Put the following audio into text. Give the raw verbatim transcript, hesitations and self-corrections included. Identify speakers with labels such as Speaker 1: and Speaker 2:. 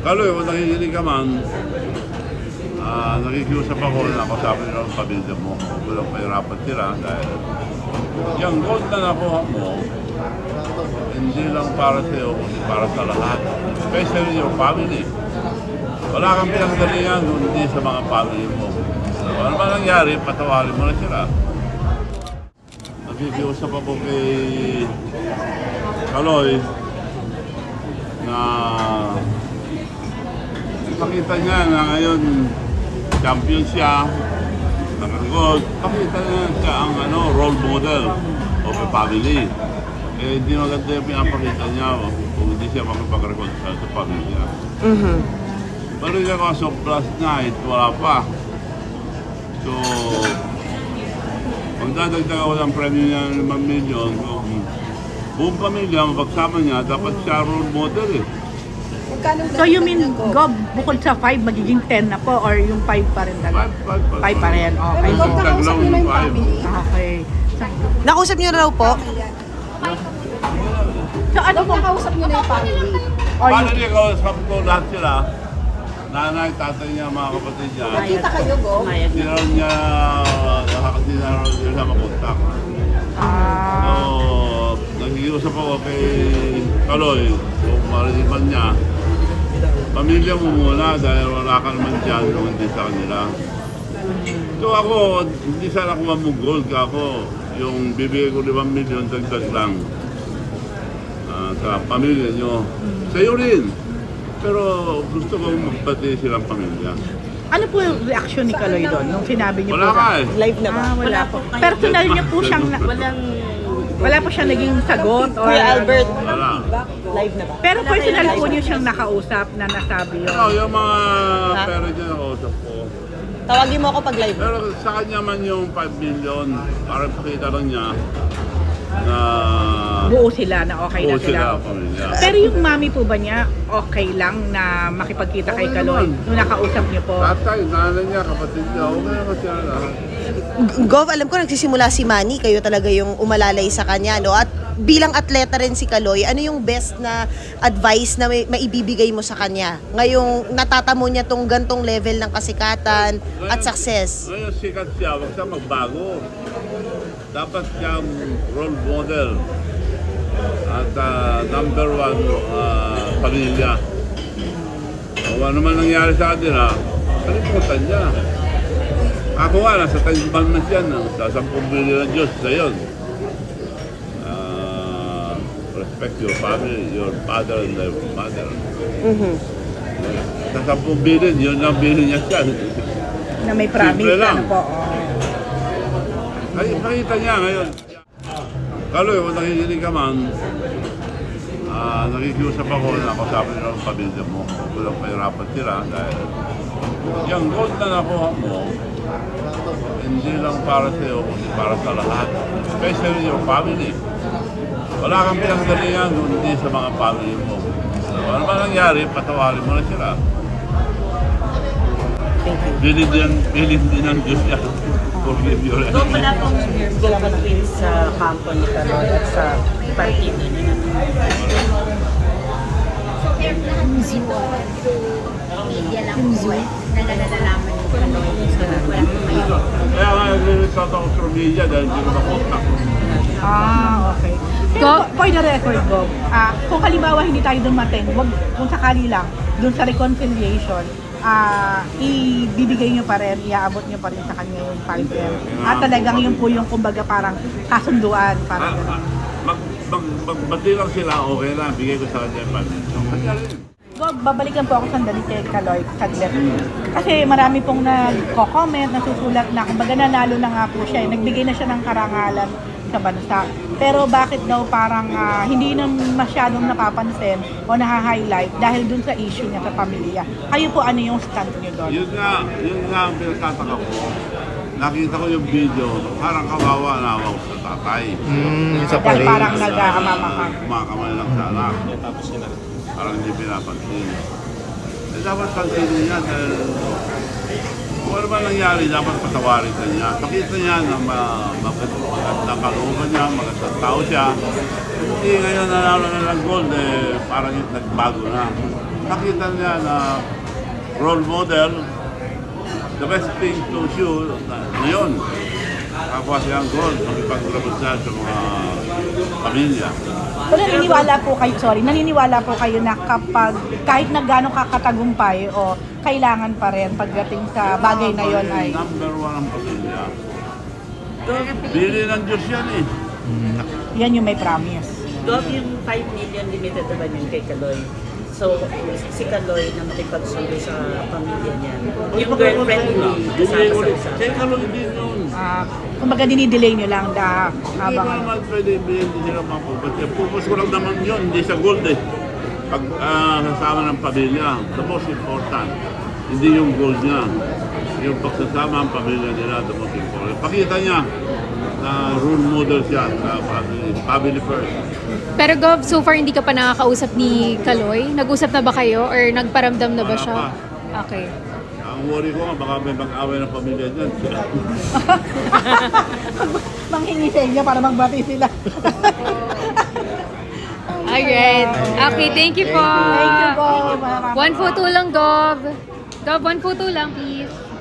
Speaker 1: Kaloy, kung nakikinig ka man, uh, nakikiusap ako na ako sabi nila ang pamilya mo. Walang pahirapan sila dahil yung gold na nakuha mo, hindi lang para sa iyo, kundi para sa lahat. Especially your family. Wala kang pinagdalingan kundi sa mga family mo. So, ano ba nangyari, patawarin mo na sila. Nakikiusap ako kay Kaloy na pakita niya na ngayon champion siya, nakagold, pakita niya siya ang ano, role model of a family. Eh, hindi maganda yung pinapakita niya kung hindi siya makipag-reconcile sa pamilya.
Speaker 2: Mm-hmm.
Speaker 1: Pero yung kaso plus night, wala pa. So, magdadagdag ako ng premyo niya ng limang milyon, kung buong pamilya, mapagsama niya, dapat siya role model eh.
Speaker 3: So you mean, Gob, bukod sa five, magiging ten na po or yung five pa rin talaga?
Speaker 1: five, five,
Speaker 3: five pa rin, okay.
Speaker 4: Pero Gob, nakausap niyo na yung family.
Speaker 3: Okay. So,
Speaker 2: Nakausap niyo na raw po?
Speaker 3: so ano
Speaker 4: Gob,
Speaker 3: po?
Speaker 4: nakausap niyo na yung family.
Speaker 3: Or
Speaker 1: Paano
Speaker 3: yung,
Speaker 1: niya kausap ko lahat sila? Nanay, tatay niya, mga kapatid niya.
Speaker 4: Nakita kayo, Gob?
Speaker 1: Hindi na rin niya, hindi na rin niya makontak.
Speaker 3: ah,
Speaker 1: So, nakikiusap ako kay Kaloy, kung marinig man niya, pamilya mo muna dahil wala ka naman dyan kung hindi sa kanila. So ako, hindi sana ako mamugol ka ako. Yung bibigay ko limang milyon, dagdag lang uh, sa pamilya nyo. Sa'yo rin. Pero gusto ko magbati silang pamilya.
Speaker 3: ano po yung reaction ni Kaloy doon nung sinabi niyo
Speaker 1: Wala
Speaker 3: po?
Speaker 1: ka eh.
Speaker 2: Live na ba?
Speaker 3: Ah, wala po. Personal niya po siyang, na,
Speaker 2: Walang...
Speaker 3: wala po siya naging sagot or
Speaker 2: Kuya Albert,
Speaker 1: Wala.
Speaker 2: live na ba?
Speaker 3: pero personal po niyo siyang nakausap na nasabi yun.
Speaker 1: Ano, yung mga pera dyan ako usap ko.
Speaker 2: Tawagin mo ako pag live.
Speaker 1: Pero sa kanya man yung five million, para pakita lang niya na
Speaker 3: Buo sila na okay na
Speaker 1: buo
Speaker 3: sila.
Speaker 1: sila pamilya.
Speaker 3: Pero yung mami po ba niya, okay lang na makipagkita kay
Speaker 1: Okay
Speaker 3: Kaloy
Speaker 1: naman.
Speaker 3: nung nakausap niyo po?
Speaker 1: Tatay, nanay niya, kapatid niya, okay naman sila lahat.
Speaker 2: Gov, alam ko nagsisimula si Manny, kayo talaga yung umalalay sa kanya, no? At bilang atleta rin si Kaloy, ano yung best na advice na may, maibibigay mo sa kanya? Ngayong natatamo niya tong gantong level ng kasikatan at success.
Speaker 1: Ngayon sikat siya, wag siya magbago. Dapat siyang role model at uh, number one uh, pamilya. Kung ano man nangyari sa kanila, kalimutan niya. Ako nga, nasa tayo na siya, no? Sa sampung bilyon ng Diyos sa yun. Uh, respect your family, your father and your mother.
Speaker 2: Mhm.
Speaker 1: Sa sampung bilyon, yun ang bilyon niya siya.
Speaker 3: Na may promise
Speaker 1: Simple lang.
Speaker 3: ano po. Oh.
Speaker 1: Ay, nakita niya ngayon. Kaloy, kung nakikinig ka man, uh, nakikiusap ako na ako sabi nila ang pamilya mo. Walang pahirapan sila dahil yung gold na nakuha mo, hindi lang para sa iyo, kundi para sa lahat. Especially your family. Wala kang pinagdalingan kundi sa mga family mo. So, ano ba nangyari, patawarin mo na sila. Bilin din, bilin din ng Diyos yan. Forgive your
Speaker 5: Doon wala pong conflict sa kampo ni Kaloy at sa partido niya.
Speaker 6: Media lang po eh, na nalalaman yung Kaloy. Wala po kayo.
Speaker 1: Kaya nga, nag-result ako sa media dahil hindi ko na-contact.
Speaker 3: Ah, okay. So, for the record, Bob, ah, kung halimbawa hindi tayo dumating, wag, kung sakali lang, dun sa reconciliation, ah, ibibigay nyo pa rin, iaabot nyo pa rin sa kanya yung five M. At talagang yun po yung kumbaga parang kasunduan, parang
Speaker 1: Ah,
Speaker 3: gano'n.
Speaker 1: ah, mag, mag, magbati lang sila, okay na, bigay ko sa kanya yung pamilya. Kanya rin.
Speaker 3: Bob, babalikan po ako sandali kay Kaloy, saglit. Kasi marami pong nagko-comment, nasusulat na, kumbaga nanalo na nga po siya, eh. Nagbigay na siya ng karangalan sa bansa. Pero bakit daw parang ah, hindi na masyadong napapansin o naha-highlight dahil dun sa issue niya sa pamilya. Kayo po, ano yung stand niyo doon?
Speaker 1: Yun nga, yun nga ang pinagtataka ko. Nakita ko yung video, parang kawawa na ako sa tatay.
Speaker 7: Mm, isa pa
Speaker 3: Dahil
Speaker 7: rin.
Speaker 3: parang nag-aamamakan.
Speaker 1: Kumakamay lang sa anak. Parang hindi pinapansin. Eh, dapat pansinin niya dahil kung ano ba nangyari, dapat patawarin ka niya. Pakita niya na ma- magandang kalooban niya, magandang tao siya. Hindi ngayon nanalo na ng gold, eh, parang nagbago na. makita niya na role model, the best thing to shoot na, ngayon. Kapwa siyang goal, makipag-grabot siya sa mga pamilya.
Speaker 3: Pero naniniwala po kayo, sorry, naniniwala po kayo na kapag kahit na gano'ng kakatagumpay o kailangan pa rin pagdating sa bagay na yon ay
Speaker 1: Number one ang pamilya. Bili ng Diyos yan eh.
Speaker 3: yan yung may promise.
Speaker 5: Gov, yung five million limited naman yun kay Kaloy. So, si Kaloy na makipagsundo sa pamilya niya. Yung girlfriend hindi kasama sa usapan.
Speaker 1: Kaya kalong din yun.
Speaker 3: Ah, kumbaga dinidelay nyo lang da
Speaker 1: Hindi
Speaker 3: habang
Speaker 1: ba naman pwede ibigay, hindi sila mapupad. Purpose ko lang naman yun, hindi sa gold eh. Pag ah, kasama ng pamilya, the most important. Hindi yung gold niya. Yung pagsasama ang pamilya nila, the most important. Pakita niya na role model siya sa family, family first.
Speaker 7: Pero Gov, so far hindi ka pa nakakausap ni Kaloy? Nag-usap na ba kayo or nagparamdam na ba
Speaker 1: Wala
Speaker 7: siya?
Speaker 1: pa.
Speaker 7: Okay.
Speaker 1: Ang worry ko nga, baka may mag-away ng pamilya dyan.
Speaker 3: manghingi sa inyo para magbati sila.
Speaker 7: Alright. Okay, thank you po.
Speaker 3: Thank you po.
Speaker 7: One photo lang, Gov. Gov, one photo lang, please.